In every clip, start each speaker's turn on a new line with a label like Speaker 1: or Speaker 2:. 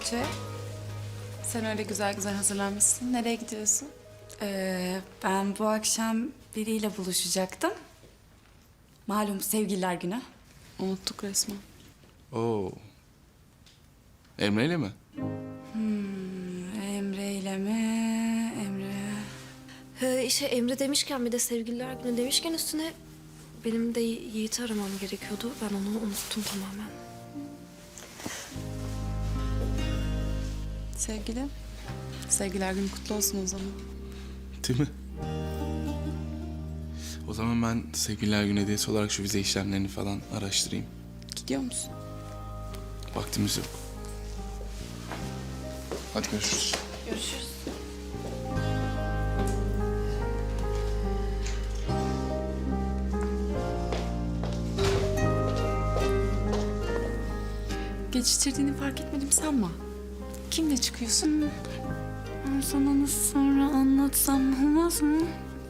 Speaker 1: Tuğçe. Sen öyle güzel güzel hazırlanmışsın. Nereye gidiyorsun?
Speaker 2: Ben bu akşam biriyle buluşacaktım. Malum sevgililer günü.
Speaker 1: Unuttuk resmen.
Speaker 3: Oo. Emre'yle mi?
Speaker 2: Emre ile mi?
Speaker 4: Emre demişken bir de sevgililer günü demişken üstüne benim de Yiğit'i aramam gerekiyordu. Ben onu unuttum tamamen.
Speaker 1: Sevgilim. Sevgiler günü kutlu olsun o zaman.
Speaker 3: Değil mi? O zaman ben sevgililer günü hediyesi olarak şu vize işlemlerini falan araştırayım.
Speaker 1: Gidiyor musun?
Speaker 3: Vaktimiz yok. Hadi görüşürüz.
Speaker 1: Görüşürüz. Geçiştirdiğini fark etmedim sanma. Kimle çıkıyorsun?
Speaker 2: Ben sana nasıl sonra anlatsam olmaz mı?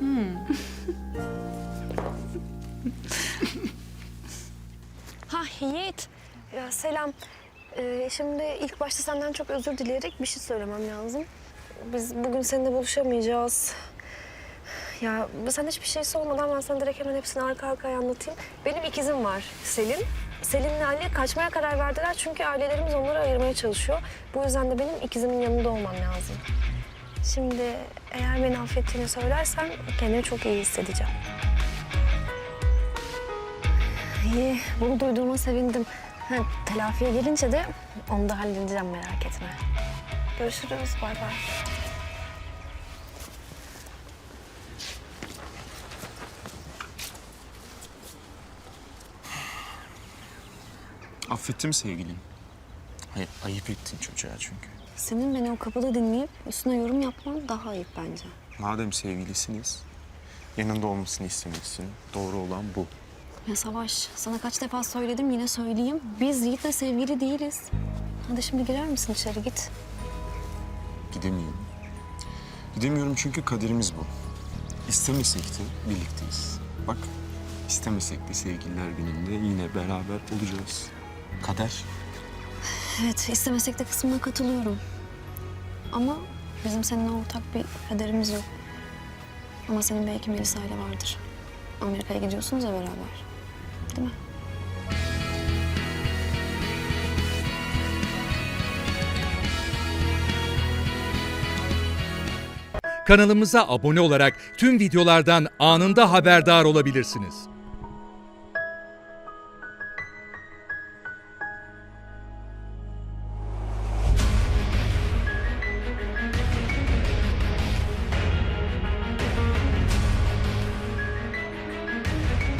Speaker 4: Ha Yiğit. Ya selam. Şimdi ilk başta senden çok özür dileyerek bir şey söylemem lazım. Biz bugün seninle buluşamayacağız. Ya sen hiçbir şey sormadan ben sana direkt hemen hepsini arka arkaya anlatayım. Benim ikizim var Selin. Selin'le Ali kaçmaya karar verdiler çünkü ailelerimiz onları ayırmaya çalışıyor. Bu yüzden de benim ikizimin yanında olmam lazım. Şimdi eğer beni affettiğini söylersen kendimi çok iyi hissedeceğim. İyi, bunu duyduğuma sevindim. Telafiye gelince de onu da halledeceğim, merak etme. Görüşürüz, bay bay.
Speaker 5: Affettim sevgilim. Hayır, ayıp ettin çocuğa çünkü.
Speaker 4: Senin beni o kapıda dinleyip üstüne yorum yapman daha ayıp bence.
Speaker 5: Madem sevgilisiniz, yanında olmasını istemişsin. Doğru olan bu.
Speaker 4: Ya Savaş, sana kaç defa söyledim, yine söyleyeyim. Biz Yiğit'le sevgili değiliz. Hadi şimdi girer misin içeri, git.
Speaker 5: Gidemiyorum. Gidemiyorum çünkü kaderimiz bu. İstemesek de birlikteyiz. Bak, istemesek de sevgililer gününde yine beraber olacağız. Kader.
Speaker 4: Evet, istemesek de kısmına katılıyorum. Ama bizim seninle ortak bir kaderimiz yok. Ama senin belki Melisa ile vardır. Amerika'ya gidiyorsunuz ya beraber. Değil mi?
Speaker 6: Kanalımıza abone olarak tüm videolardan anında haberdar olabilirsiniz.